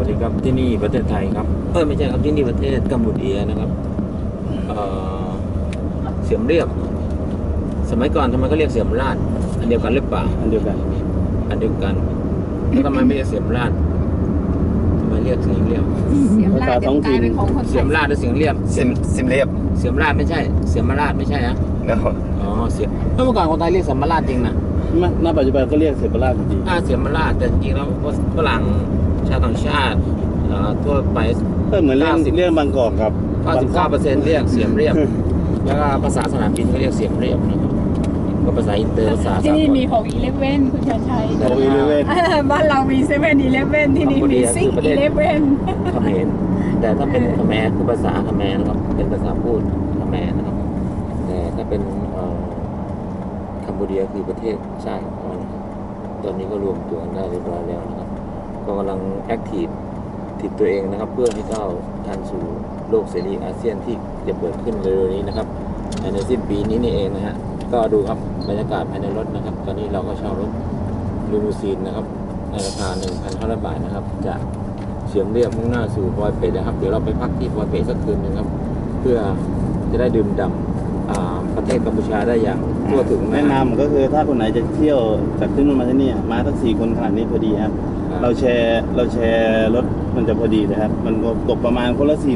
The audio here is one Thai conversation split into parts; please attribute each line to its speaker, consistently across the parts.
Speaker 1: วัสดีครับที่นี่ประเทศไทยครับไม่ใช่ครับที่นี่ประเทศกัมพูชานะครับเสียมเรียบสมัยก่อนทำไมเขาเรียกเสียมราดอันเดียวกันหรือเปล่า
Speaker 2: อันเดียวกัน
Speaker 1: แล้วทำไมไม่เรียกเสียมราดทำไมเรียกเสียมเรียบ
Speaker 3: เสียมราดเดี๋ยวกลายเป็นของคนไท
Speaker 1: เสีย
Speaker 3: ย
Speaker 1: มราดหรือเสียมเรียบ
Speaker 4: เสียมเรียบ
Speaker 1: เสียมราดไม่ใช่เสียมราดไม่ใช่นะ
Speaker 4: เนาะ
Speaker 1: อ๋อเสียมเมื่อก่อนคนไทยเรียกเสียมราดจริงนะ
Speaker 2: ณปัจจุบันก็เรียกเสปาราจริง
Speaker 1: เสียมราดแต่จริงๆแล้วฝรั่งชาวต่างชาติทั่วไป
Speaker 2: ก็เหมือนเรื่องบางกอกครับ
Speaker 1: 99%เรียกเสียมเรียบ แล้วก็ภาษาสนามบินก็เรียกเสียมเรียบนะครับก็ภาษาอินเตอร์ภาษา
Speaker 3: ที่นี่
Speaker 1: สากล
Speaker 3: มี6-11คุณชัยชัย
Speaker 2: โอ้ยเว้ย
Speaker 3: บ้านเรามี7-11ที่นี่มี6-11
Speaker 1: เขมรแต่ถ้าเป็นเขมรคือภาษาเขมรนะครับเป็นภาษาพูดเขมรนะครับแต่ถ้าเป็นคัมพูชาคือประเทศชาติของมันนะครับตอนนี้ก็รวมตัวกันได้เรียบร้อยแล้วนะครับก็กำลังแอคทีฟตัวเองนะครับเพื่อให้ก้าวทันสู่โลกเสรีอาเซียนที่จะเปิดขึ้นเร็วๆนี้นะครับในสิ้นปีนี้นี่เองนะฮะก็ดูครับบรรยากาศภายในรถนะครับตอนนี้เราก็เช่ารถลูมูซีนนะครับในราคา 1,500 บาทนะครับจะเสียมเรียบมุ่งหน้าสู่ปอยเปตนะครับเดี๋ยวเราไปพักที่ปอยเปตสักคืนนึงครับเพื่อจะได้ดื่มด่ำประเทศกัมพูชาได้อย่างทั่วถึง
Speaker 2: แนะนำก็คือถ้าคนไหนจะเที่ยวจากที่นู่นมาที่นี่มาทั้ง4 คนขนาดนี้พอดีครับเราแชร์รถมันจะพอดีเลยครับมันตกประมาณคนละ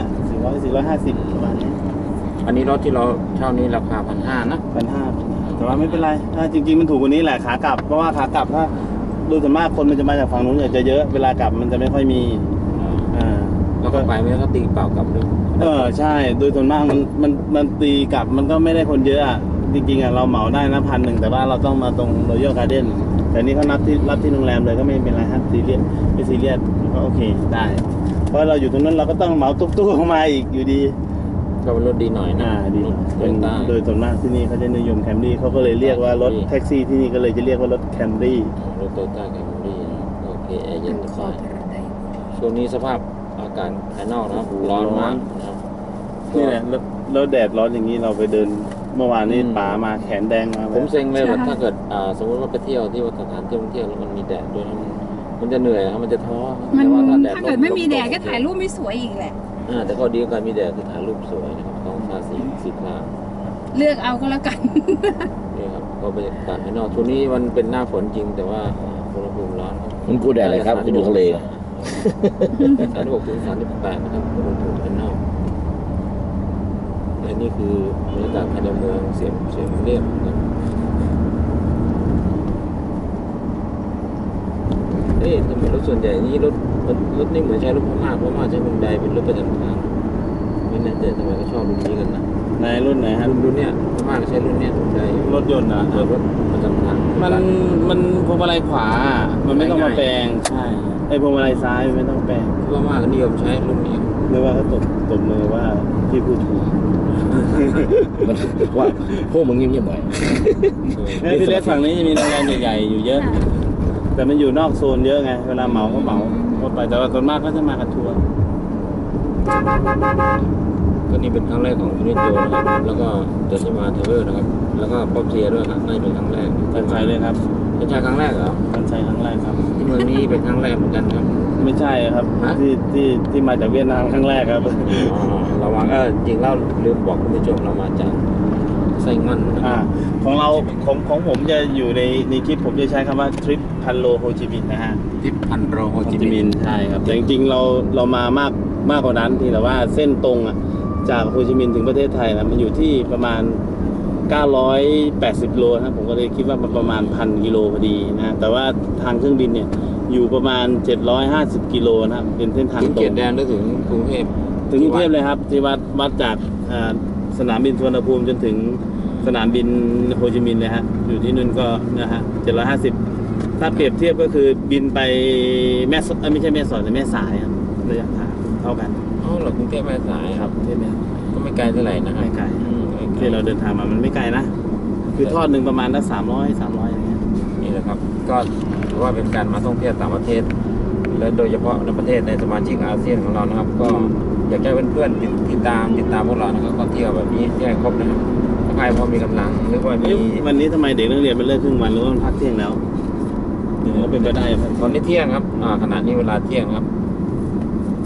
Speaker 2: 400450ประมาณนี้
Speaker 1: อันนี้รถที่เราเช่านี้ราคา 1,500 นะ
Speaker 2: 1,500แต่ว่าไม่เป็นไรถ้าจริงๆมันถูกกว่านี้แหละขากลับเพราะว่าขากลับถ้าโดยส่วนมากคนมันจะมาจากฝั่งนู้นจะเยอะเวลากลับมันจะไม่ค่อยมี
Speaker 1: แล้วก็ไปไม่ได้ก็ตีเปล่ากลับด้วย
Speaker 2: ใช่โดยส่วนมากมันตีกลับมันก็ไม่ได้คนเยอะอ่ะจริงๆเราเหมาได้นะ1,100แต่ว่าเราต้องมาตรงรอยัลการ์เด้นแต่นี่เขารับที่โรงแรมเลยก็ไม่เป็นไรครับซีเรียสไม่ซีเรียสก็โอเคได้เพราะเราอยู่ตรงนั้นเราก็ต้องเหมาตุ๊กๆเข้ามาอีกอยู่ดี
Speaker 1: ก็เป็นรถดีหน่อยนะ
Speaker 2: ดีโดยส่วนมากที่นี่เขาจะนิยมแคมรี่เขาก็เลยเรียกว่ารถแท็กซี่ที่นี่ก็เลยจะเรียกว่ารถแคมรี่
Speaker 1: รถโตโยต้าแคมรี่โอเคแอร์เย็นสบายช่วงนี้สภาพอากาศภายนอกนะครับร้อนมากนะครับ
Speaker 2: นี่แหละแล้วแดดร้อนอย่างนี้เราไปเดินเมื่อวานนี้ป่ามาแขนแดงมา
Speaker 1: ผมเซ็งเลยว่าถ้าเกิดสมมติว่าไปเที่ยวที่สถานที่ท่องเที่ยวแล้วมันมีแดดด้วยมันจะเหนื่อยครับมันจะท้อ
Speaker 3: ถ้าเกิดไม่มีแดดก็ถ่ายรูปไม่สวยอีกแหละ
Speaker 1: แต่ข้อดีของการมีแดดคือถ่ายรูปสวยนะครับท้องฟ้าสีคราม
Speaker 3: เลือกเอาก็แล้วกัน
Speaker 1: นี่ครับก็บรรยากาศภายนอกช่วงนี้มันเป็นหน้าฝนจริงแต่ว่าอุณหภูมิร้อนครับ
Speaker 4: มันกูแดดอะไรครับคุณอยู่ทะเล
Speaker 1: 36 ถึง 38นะครับอุณหภูมิภายนอกและนี่คือบรรยากาศภายในเมืองเสียงเรียบนะทำไมรถส่วนใหญ่นี่รถนี่เหมือนใช้รถพม่าใช้ฮุนไดเป็นรถประจำทางไม่แน่ใจทำไมเขาชอบรุ่นนี้กันนะ
Speaker 2: ในรุ่นไหนฮะ
Speaker 1: รุ่นเนี้ยพม่าใช้รุ่นเนี้ยฮุนได
Speaker 2: รถยนต์นะ
Speaker 1: รถประจำทาง
Speaker 2: มันพวงมาลัยขวามันไม่ต้องมาแปลงใช่ไอ้พวงมาลัยซ้ายไม่ต้องแปลง
Speaker 1: พม่าก็นิยมใช้รุ่นนี้
Speaker 2: เรียกว่าเขาตบมือว่าที่พูดถูก
Speaker 4: มันว่าพวกมึงเงียบๆหน่อย
Speaker 2: ที่เล็กฝั่งนี้จะมีโรงแรมใหญ่ๆอยู่เยอะแต่มันอยู่นอกโซนเยอะไงเวลาเหมาก็เหมาไปแต่ว่าส่วนมากก็จะมากับทัวร์
Speaker 1: ก็นี่เป็นครั้งแรกของยูนิตโจนะครับแล้วก็จะมาเทเวอร์นะครับแล้วก็ป๊อปเทียด้วยครับนี่เป็นครั้งแรก
Speaker 2: กันชัยเลยครับ
Speaker 1: กันชัยครั้งแรกเหรอ
Speaker 2: กันชัยครั้งแรกครับ
Speaker 1: ที่เมืองนี้เป็นครั้งแรกเหมือนกันครับ
Speaker 2: ไม่ใช่ครับที่มาจากเวียดนามครั้งแรกครับ
Speaker 1: เราว่าจริงเราลืมบอกคุณผู้ชมเรามาจากไซงอน
Speaker 2: ของเราของผมจะอยู่ในคลิปผมจะใช้คำว่าทริปพันโลโฮจิมินห์นะฮะ
Speaker 1: ทริปพันโลโฮจิมินห์
Speaker 2: ใช่ครับแต่จริงๆเรามามากกว่านั้นที่แต่ว่าเส้นตรงจากโฮจิมินห์ถึงประเทศไทยนะมันอยู่ที่ประมาณ980 โลนะผมก็เลยคิดว่ามันประมาณ 1,000 กิโลพอดีนะแต่ว่าทางเครื่องบินเนี่ยอยู่ประมาณ750 กิโลนะครับเป็นเส้นทางตรง
Speaker 1: เกียรติแดนได้ถึงกรุงเทพ
Speaker 2: เลยครับที่วัดจากสนามบินสุวรรณภูมิจนถึงสนามบินโฮจิมินห์เลยฮะอยู่ที่นู่นก็นะฮะ750ถ้าเปรียบเทียบก็คือบินไปไม่ใช่แม่สอดแต่แม่สายครับระยะทางเท่ากัน
Speaker 1: เหรอกรุงเทพแม่สาย
Speaker 2: ครับใช่ไหม
Speaker 1: ก็ไม่ไกลเท่าไหร่นะ
Speaker 2: ไม่ไกลที่เราเดินทางมามันไม่ไกลนะคือทอดหนึ่งประมาณละ300อย่างเงี้ย
Speaker 1: นี่แหละครับก็ถือว่าเป็นการมาท่องเที่ยวต่างประเทศและโดยเฉพาะในประเทศในสมาชิกอาเซียนของเรานะครับก็อยากให้เพื่อนๆติดตามพวกเรานะครับก็เที่ยวแบบนี้ที่ให้ครบนะครับถ้าใครพอมีกำลังหรือว่ามี
Speaker 2: วันนี้ทำไมเด็กนักเรียนมันเลิกครึ่งวันหรือว่าพักเที่ยงแล้วก็เป็นไปได้
Speaker 1: ตอนนี้เที่ยงครับขณะนี้เวลาเที่ยงครับ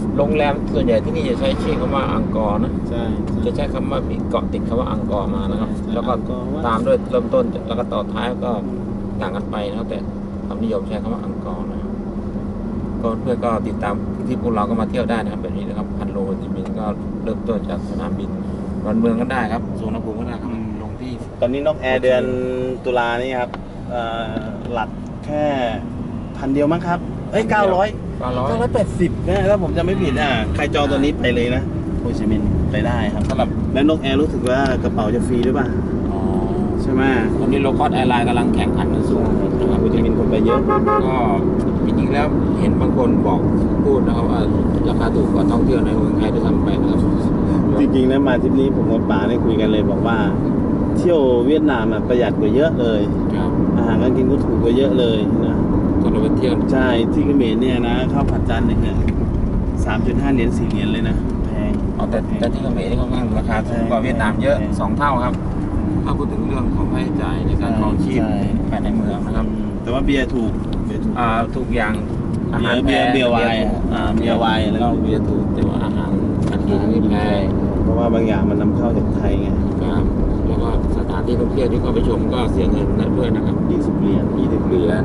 Speaker 1: โรงแรมส่วนใหญ่ที่นี่จะใช้ชื่อคำว่าอังกอร์นะ
Speaker 2: ใช่
Speaker 1: จะใช้คำว่ามีเกาะติดคำว่าอังกอร์มานะครับ
Speaker 2: ใช่
Speaker 1: แล้วก็
Speaker 2: อังกอร์ว่า
Speaker 1: ตามด้วยเริ่มต้นแล้วก็ต่อท้ายก็ต่างกันไปนะครับแต่ความนิยมใช้คำว่าอังกอร์นะครับก็เพื่อนก็ติดตามที่พวกเราก็มาเที่ยวได้นะครับแบบนี้นะครับพันโลจิมินห์ก็เริ่มต้นจากสนามบินดอนเมืองก็ได้ครับสุวรรณภูมิก็ได้ครับลงที่
Speaker 2: ตอนนี้นกแอร์เดือนตุลานี่ครับหลักแค่1,000 เดียวมั้งครับเอ้ย980นะถ้าผมจำไม่ผิดใครจองตัวนี้ไปเลยนะโฮจิมินห์ไปได้ครับ
Speaker 1: สำหรับ
Speaker 2: แล้วนกแอร์รู้สึกว่ากระเป๋าจะฟรีด้วยป่ะ
Speaker 1: อ๋อ
Speaker 2: ใช่ไหม
Speaker 1: ตอนนี้โลคอสแอร์ไลน์กำลังแข่งขันกันสูงนะครับ
Speaker 2: โฮจิมินห์คนไปเยอะ
Speaker 1: ก็จริงๆแล้วเห็นบางคนบอกพูดนะครับว่าราคาถูกกว่าท่องเที่ยวในเมืองไทยด้วยซ้ำไปนะครับ
Speaker 2: จริงๆนะมาทริปนี้ผมกับป๋าได้คุยกันเลยบอกว่า เที่ยวเวียดนามประหยัดกว่าเยอะเลย
Speaker 1: ครับ
Speaker 2: อาหารการกินก็ถูกกว่าเยอะเลยนะ
Speaker 1: ตอนเราไปเที่ยว
Speaker 2: ใช่ที่เขมรเนี่ยนะข้าวผัดจานหนึ่งเนี่ย3.5 เหรียญ4 เหรียญเลยนะแพง
Speaker 1: เอาแต่ที่เขมรนี่ค่อนข้างราคาถูกกว่าเวียดนามเยอะ
Speaker 2: ใช่
Speaker 1: 2 เท่าครับ ถ้าพูดถึงเรื่องของค่าใช้จ่ายในการครองชีพ
Speaker 2: ใช่
Speaker 1: ภายในเมืองนะครับ
Speaker 2: แต่ว่าเบียร์ถูก
Speaker 1: ทุกอย่างอาหาร
Speaker 2: เบียร์
Speaker 1: แพง
Speaker 2: เบียร์ไวน์ เบียร์ไวน์อะไร
Speaker 1: เราเบียร์ถูกแต่ว่าอาหารการกินนี่แพง
Speaker 2: เพราะว่าบางอย่างมันนำเข้าจากไทยไง
Speaker 1: ครับแล้วก็สถานที่ท่องเที่ยวที่เข้าไปชมก็เสียเงินกันด้วยนะครับ
Speaker 2: 20 เหรียญ
Speaker 1: 20 เหรียญ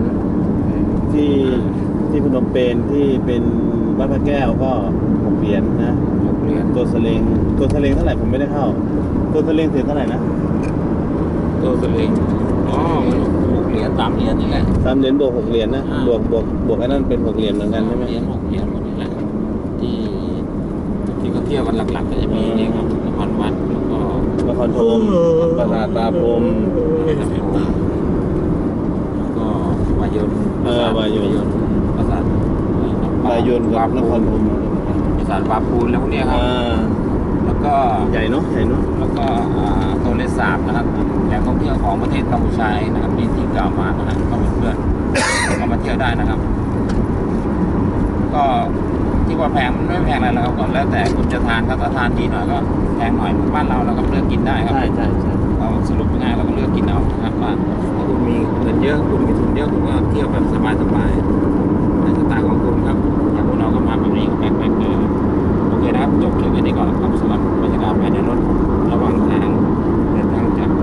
Speaker 2: ที่พนมเปญที่เป็นวัดพระแก้วก็6 เหรียญนะ
Speaker 1: 6 เหรียญ
Speaker 2: ตัวสเลงเท่าไหร่ผมไม่ได้เข้า ตัวสเลงเสียเท่าไหร่นะ
Speaker 1: ตัวสลิงอ๋อมัน6 เหรียญ3 เหรียญนี่แหละ
Speaker 2: 3 เหรียญบวก6 เหรียญนะ
Speaker 1: อ่า
Speaker 2: บวกไอ้นั่นเป็น6 เหรียญเหมือนกันใช่ไหม
Speaker 1: เหรียญ6 เหรียญหมดนี่แหละที่เขาเที่ยวกันหลักๆก็จะมีนี่ครับนครวัดแล้วก็
Speaker 2: นครธมปราสาทตาพรหม
Speaker 1: แล้วก็วายน
Speaker 2: วายน
Speaker 1: ปราสาท
Speaker 2: บายนกับนครธม
Speaker 1: ปราสาทปาปูนแล้วพวกเนี้ยครับ แล้วก็
Speaker 2: ใหญ่เนาะ
Speaker 1: แล้วก็โทเลสาบนะครับแหล่งท่องเที่ยวของประเทศกัมพูชาเองนะครับที่กล่าวมานะครับก็เพื่อนๆ ก็มาเที่ยวได้นะครับ ก็ที่ว่าแพงมันไม่แพงอะไรแล้วครับก็แล้วแต่คุณจะทานถ้าทานดีหน่อยก็แพงหน่อยบ้านเราก็เลือกกินได้ครับ
Speaker 2: ใช่
Speaker 1: เราสรุปง่ายๆเราก็เลือกกินเอานะครับว่าถ้าคุณมีเงินเยอะคุณมีทุนเยอะคุณก็เที่ยวแบบสบายๆในสไตล์ของคุณครับอย่างพวกเราก็มาแบบนี้ก็แปลกๆเลยโอเคนะครับจบคลิปไว้นี้ก่อนครับสำหรับบรรยากาศภายในรถระหว่างทางเดินทางจาก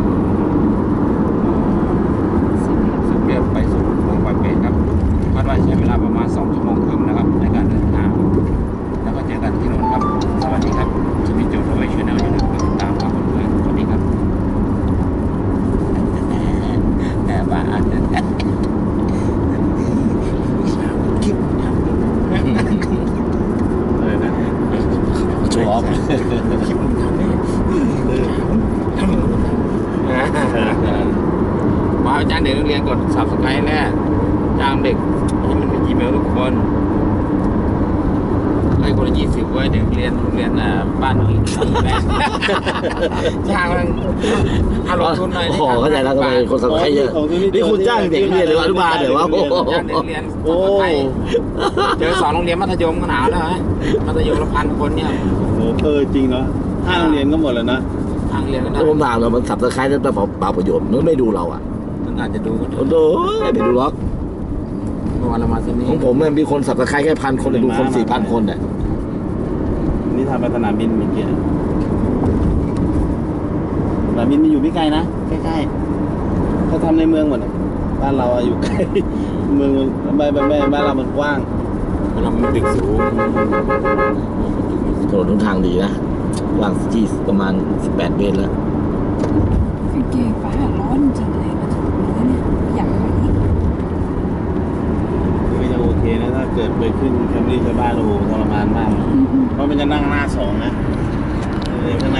Speaker 1: สุเกียบไปสู่เมืองปอยเปตครับคาดว่าใช้เวลาประมาณ2 ชั่วโมงครึ่งนะครับในการเดินทางแล้วก็เจอกันที่นู่นครับสวัสดีครับชีวิตโจทย์เอาไว้ช่วยแนวอย่าลืมกดติดตามครับเพื่อนๆสวัสดีครับ แต่ว่าอาจจะคลิป
Speaker 2: เลยนะ
Speaker 4: โชว์ออฟ
Speaker 1: คลิปมันทำได้ว่าจ้างเด็กนักเรียนกด subscribe แน่จ้างเด็กให้มันมี Gmail ทุกคนให้คนละ20ไว้เด็กเรียนโรงเรียนบ้านอีกแม่จ้างมันเอาลงทุนหน่อย
Speaker 4: โอ้โหเข้าใจแล้วทำไมคนสับใครเยอะนี่คุณจ้างเด็กเรียนหรืออนุบาลเดี๋ยวว่าโอ้โห
Speaker 1: จ้างเด็กเรียนเจอ2 โรงเรียนมัธยมก็หนาวแล้วฮะมัธยมละ1,000 คนเนี่ย
Speaker 2: จริงเนาะ5 โรงเรียนก็หมดแล้วนะ
Speaker 1: ทางเรียนก็ได้
Speaker 4: ถ้าผมถามเรามันสับตะไคร้แล้วเปล่าประโยชน์มันไม่ดูเราอ่ะ
Speaker 1: มันอาจจะดูก็
Speaker 4: โอ้โหไม่ดูหรอก
Speaker 1: เมื่อวานเรามาที่นี่
Speaker 4: ของผมมันมีคนสับตะไคร้แค่1,000 คนเลยดูคน 4,000 คนเนี่ย
Speaker 2: นี่ทำไปสนามบินเมื่อกี้สนามบินมันอยู่ไม่ไกลนะใกล้ๆเขาทำในเมืองหมดอะบ้านเราอะอยู่ใกล้ เมืองบ้านเรามันกว้าง
Speaker 1: เรามันตึกสูง
Speaker 4: ถนนทุกทางดีนะกว้างที่ประมาณ18 เมตรแล้ว
Speaker 3: เก๋ฟ้าร้อนจริงเลยมาถึงเนื้อเนี่ยอยากไปอีก
Speaker 2: ก็ยังโอเคนะถ้าเกิดไปขึ้นแคมรี่ชาวบ้านโอ้โหทรมานมาก เพราะมันจะนั่งหน้า2นะข้างใน